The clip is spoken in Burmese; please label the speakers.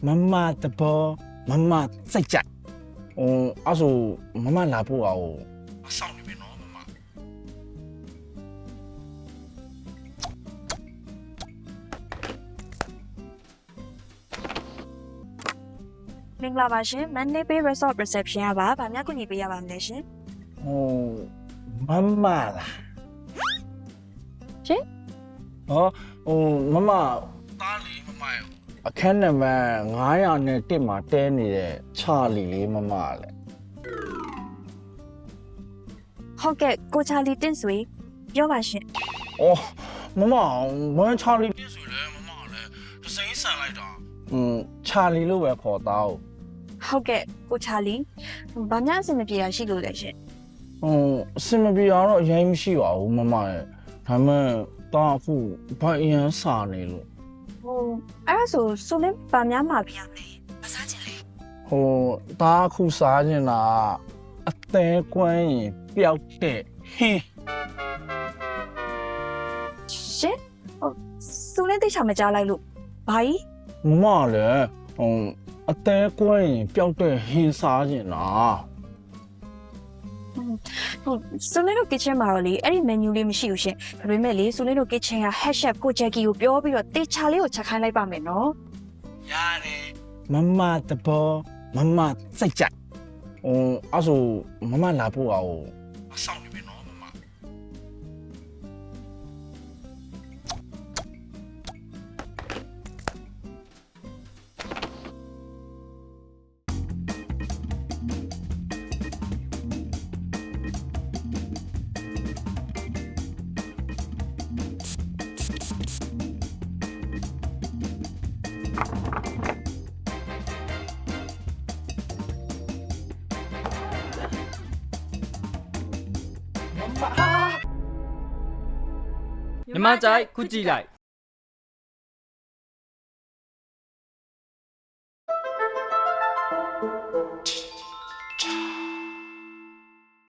Speaker 1: မမတဘောမမစိတ်ကြအဲ့ဆိုမမလာဖို့အောင်အဆောင်နေပြီနော်မမ
Speaker 2: မင်္ဂလာပါရှင် Monday Bay Resort Reception ကပါဗာများကူညီပေးရပါမလဲရှင်
Speaker 1: မမလား
Speaker 2: ရှင်
Speaker 1: မမသားလေးမမရဲ့အခန်းနံပါတ်901မှာတဲနေတဲ့ချာလီလေးမမလေ
Speaker 2: ဟုတ်ကဲ့ကိုချာလီတင့်ဆွေပြောပါရှင်
Speaker 1: မမဝမ်းချာလီပြည့်စုံလဲမမလည်းတစိမ့်ဆန်လိုက်တာချာလီလို့ပဲခေါ်သား
Speaker 2: ဟုတ်ကဲ့ကိုချာလီဗာများအဆင်မပြေတာရှိလို့လဲရှင်
Speaker 1: အစင်မပြေတော့အရင်မရှိပါဘူးမမရဲ့ဒါမှတော့အခုဘာအရင်စာနေလို့
Speaker 2: အဲ့ဒါဆိုလင်းဗာများမှာပြရမယ်မစားချင်လေ
Speaker 1: ဒါအခုစားနေတာအသေးကွမ်းရင်ပျောက်တဲ့ဟင်း
Speaker 2: ရှင်ဆိုလင်းတိတ်ချာမကြားလိုက်လို့ဘာကြီး
Speaker 1: မမလည်းအသေးကွမ်းရင်ပျောက်တဲ့ဟင်းစားနေတာ
Speaker 2: ဆိုလင်းတို့ kitchen မှာတော့လေအဲ့ဒီ menu လေးမရှိဘူးရှင်ဒါပေမဲ့လေဆိုလင်းတို့ kitchen က head chef ကိုဂျက်ကီကိုပြောပြီးတော့တေချာလေးကိုချက်ခိုင်းလိုက်ပါမယ်နော်
Speaker 1: ရတယ်မမတဘောမမစိတ်ကြအဲ့ဆိုမမလာဖို့အောင်အဆောင်နေပြီနော်မမ
Speaker 3: ညီမကြိုက်ခုကြည့်လိုက်